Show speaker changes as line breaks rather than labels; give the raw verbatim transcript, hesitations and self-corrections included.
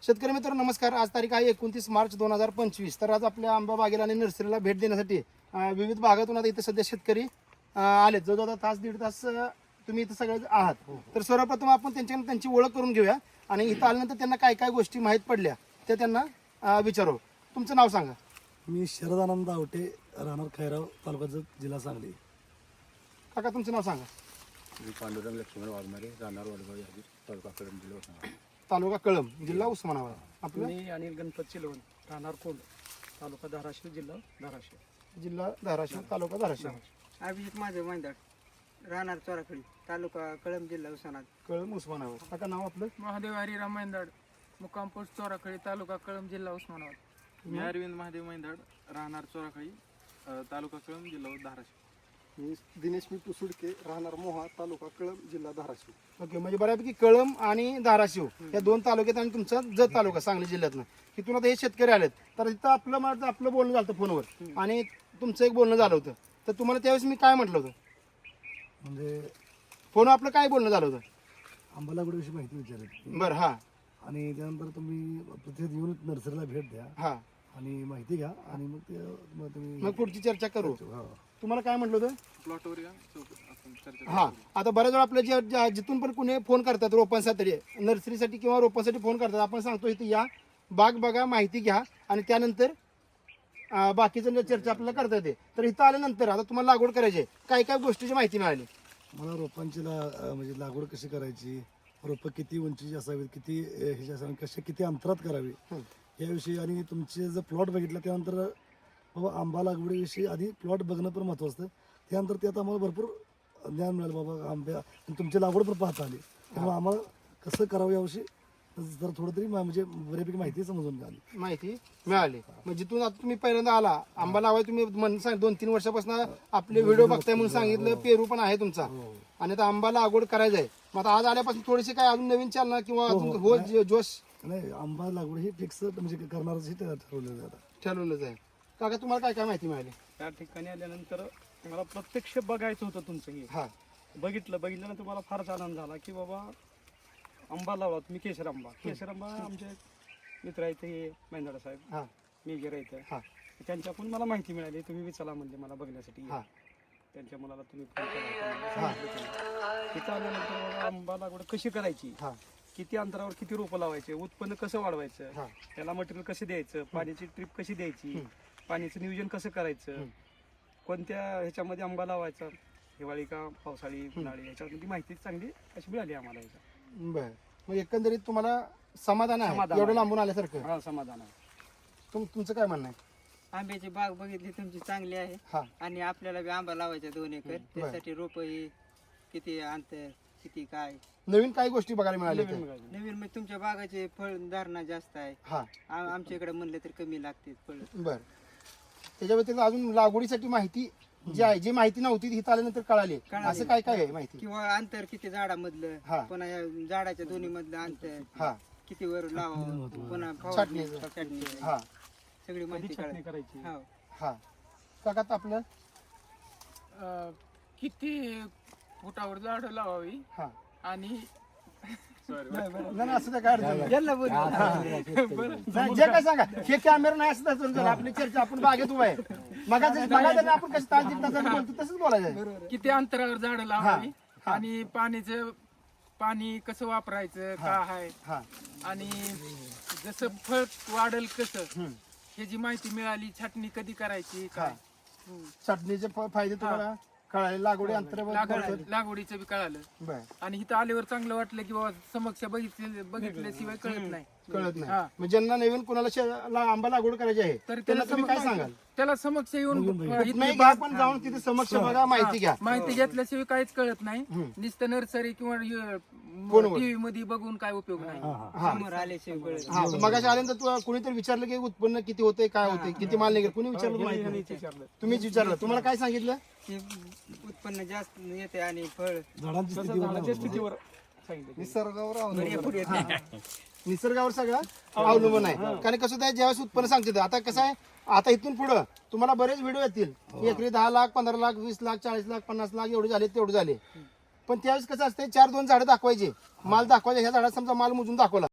शेतकरी मित्र नमस्कार. आज तारीख आहे एकोणतीस मार्च दोन हजार पंचवीस. तर आज आपल्या आंबा बागेला आणि नर्सरीला भेट देण्यासाठी अं, विविध भागातून आता इथे सध्या शेतकरी अं, आलेत. जवळजवळ तास दीड तास अं, तुम्ही इथं सगळे आहात. तर सर्वप्रथम आपण त्यांच्याकडे त्यांची ओळख करून घेऊया आणि इथं आल्यानंतर त्यांना काय काय गोष्टी माहीत पडल्या त्या त्यांना अं, विचारू. तुमचं नाव सांगा.
मी शरद आनंद आवटे, राहणार खैराव, तालुका जत, जिल्हा सांगली.
काका तुमचं नाव सांगा.
मी पांडुरंग लक्ष्मण वाघमारे, राहणार वडगाव यादी, तालुका कळंब, जिल्हा उस्मानाबाद.
तालुका कळंब, जिल्हा उस्मानाबाद. आपलं
मी अनिल गणपत चिलवण, राहणार कोंड, तालुका धाराशिव, जिल्हा धाराशिव.
जिल्हा धाराशिव, तालुका धाराशिव.
अभिजित माझं मैदाड, राहणार चोराखडी, तालुका कळंब, जिल्हा उस्मानाबाद.
कळंब उस्मानाबाद. काका नाव आपलं.
महादेव हरिराम मैंदाड, मुक्काम पोस्ट चोराखळी, तालुका कळंब, जिल्हा उस्मानाबाद.
मी अरविंद महादेव मैंदाड, राहणार चोराखळी, तालुका कळंब, जिल्हा धाराशिव.
मी दिनेश मी पुसुडके, राहणार मोहा, तालुका कळंब, जिल्हा धाराशिव.
ओके, म्हणजे बऱ्यापैकी कळंब आणि धाराशिव या दोन तालुक्यात आणि तुमचा जत तालुका सांगली जिल्ह्यातनं तिथून आता हे शेतकरी आलेत. तर तिथं आपलं माझं आपलं बोलणं झालं फोनवर आणि तुमचं एक बोलणं झालं होतं. तर तुम्हाला त्यावेळेस मी काय म्हटलं होतं,
म्हणजे
फोनवर आपलं काय बोलणं झालं होतं?
आंबा लागवडीविषयी माहिती विचारली
बरं. हा
आणि त्यानंतर तुम्ही प्रत्येक येऊन नर्सरीला भेट द्या
हा
आणि माहिती घ्या आणि मग ते मग तुम्ही
मग पुढची चर्चा करू.
हा.
तुम्हाला काय म्हटलं होतं?
प्लॉटवर या, चौक- आपण चर्चा
हा, आता बऱ्याच वेळा आपल्या जे ज्या- जिथून पण कुणी फोन करतात रोपांसाठी, नर्सरीसाठी किंवा रोपांसाठी फोन करतात, आपण सांगतो इथे या, बाग बघा, माहिती घ्या आणि त्यानंतर अं, बाकीचं जे चर्चा आपल्याला करता येते. तर इथं आल्यानंतर आता तुम्हाला लागवड करायची आहे, काय काय गोष्टीची माहिती मिळाली?
मला रोपांची ला अं, म्हणजे लागवड कशी करायची, रोपं किती उंचीची असावीत, किती अं, ह्याची असावी, कशी किती अंतरात करावी याविषयी आणि तुमचे जर प्लॉट बघितला त्यानंतर बाबा आंबा लागवडीविषयी आधी प्लॉट बघणं पण महत्त्वाचं असतं. त्यानंतर त्यात आम्हाला भरपूर ज्ञान मिळालं बाबा आंब्या आणि तुमची लागवड पण पाहता आली. त्यामुळे आम्हाला कसं करावं याविषयी जर थोडं तरी मा- म्हणजे बऱ्यापैकी माहिती समजून मिळाली.
माहिती मिळाली. मग जिथून आता तुम्ही पहिल्यांदा आला आंबा लावाय, तुम्ही म्हण- सांग दोन तीन वर्षापासून आपले व्हिडिओ बघताय म्हणून सांगितलं, पेरू पण आहे तुमचा आणि आता आंबा लागवड करायचं आहे. मग आता आज आल्यापासून थोडीशी काय अजून नवीन चालना किंवा अजून हो जो- जोश
नाही, आंबा लागवड ही फिक्स म्हणजे करणारच हे ठरवलेलं आहे आता.
ठरवलंच आहे. काका तुम्हाला काय काय माहिती मिळाली?
त्या ठिकाणी आल्यानंतर मला प्रत्यक्ष बघायचं होतं तुमचं हे.
हा
बघितलं बघितल्यानंतर मला फारच आनंद झाला की बाबा आंबा लावला तुम्ही, केशर आंबा. केशर आंबा आमचे मित्र आहेत हे मैंदाडा साहेब,
हा
मेजर आहेत,
हा
त्यांच्याकडून मला माहिती मिळाली. तुम्ही विचारला म्हणजे मला बघण्यासाठी
हा
त्यांच्या मुलाला तुम्ही फोन केला होता, मला सांगितलं त्यांनी. तिथं आल्यानंतर बाबा आंबा लागवड कशी करायची,
हा
किती अंतरावर किती रोपं लावायचे, उत्पन्न कसं वाढवायचं,
हा
त्याला मटेरियल कसं द्यायचं, पाण्याची ट्रिप कशी द्यायची, पाण्याचं नियोजन कसं करायचं, कोणत्या ह्याच्यामध्ये आंबा लावायचा, हिवाळी का पावसाळी उन्हाळी, ह्याच्यामध्ये माहिती चांगली अशी मिळाली आम्हाला. ह्याच्या
बर. मग एकंदरीत तुम्हाला समाधान आहे
समाधान
एवढं
आहे.
लांबून आल्यासारखं?
हा, समाधान आहे.
तुम तुमचं काय म्हणणं आहे?
आंब्याची बाग बघितली तुमची चांगली आहे
हा
आणि आपल्याला बी आंबा लावायचा दोन एकर, त्यासाठी रोप ही किती अंतर किती काय
नवीन काही गोष्टी बघायला मिळाल्या
नवीन
इथे?
मिळाली.
नवीन म्हणजे तुमच्या बागाचे फळ धारणा जास्त आहे.
हा
आ- आमच्या इकडे म्हणलं तर कमी लागते फळ.
बर. त्याच्या व्यतिरिक्त अजून लागवडीसाठी माहिती जी आहे, जी माहिती नव्हती ती इथं आल्यानंतर कळाली,
कळाली.
असं काय काय आहे माहिती?
किंवा अंतर किती झाडामधलं,
हा.
पुन्हा या झाडाच्या दोन्ही मधलं अंतर
हा
किती वर लावावं, पुन्हा
छाटणी.
फवारणी, छाटणी,
हा
सगळी माहिती
कधी छाटणी
कळाली.
करायची,
हो.
हा काका आपलं.
अं, किती फुटावर झाडं लावावी
हा
आणि
नाही, नाही, असं त्या काय अडचण नाही.
यांना बोल.
नाही, जे काय सांगा, हे कॅमेरा नाही असं तसं झालं. आपली चर्चा आपण बागेत उभा आहे. मग आपण कसं तास दीड तासाने बोलतो तसंच बोलायचं.
किती अंतरावर झाडं लावावी आणि पाणीचं पाणी कसं वापरायचं काय आहे
हा
आणि जसं फळ वाढल कसं ह्याची माहिती मिळाली. छाटणी कधी करायची काय
चटणीचे फ- फायदे तुम्हाला कळाले, लागवडी अंतरावर
लागवड लागवडीचं बी कळालं.
बर.
आणि इथं आल्यावर चांगलं वाटलं की बाबा समक्ष बघितले बघितल्याशिवाय कळत नाही.
कळत नाही.
हा.
मग ज्यांना नवीन कोणाला शे- ला- आंबा लागवड करायची आहे
तर
त्यांना
त्याला
तुम्ही काय
समक्ष-
सांगाल?
त्याला समक्ष येऊन
नाही
इथली
घ्या, पण जाऊन तिथे समक्ष बघा, माहिती घ्या.
माहिती घेतल्याशिवाय काहीच कळत नाही. नुसतं नर्सरी किंवा
फोनवर.
टीव्ही मध्ये बघून काय उपयोग नाही.
समोर आल्याशिवाय कळत.
हा मगाशी आल्यानंतर तू कुणीतरी विचारलं की उत्पन्न किती होते, काय होते, किती माल निघेल, कुणी विचारलं तुम्हाला माहिती नाही?
विचारलं.
तुम्हीच विचारलं. तुम्हाला काय सांगितलं?
की उत्पन्न जास्त येते आणि फळ
झाडांची स्थिती
झाडाच्या स्थितीवर सांगितलं.
निसर्गावर
भरपूर येते.
निसर्गावर सगळं अवलंबून आहे. कारण कसं होतं, ज्यावेळेस उत्पन्न सांगते आता कसं आहे, आता इथून पुढं तुम्हाला बरेच व्हिडिओ येतील. एकरी दहा लाख पंधरा लाख वीस लाख चाळीस लाख पन्नास लाख एवढे झाले तेवढे झाले. पण त्यावेळेस कसं असते, चार दोन झाडं दाखवायचे, माल दाखवायचे. ह्या झाडात समजा माल मोजून दाखवला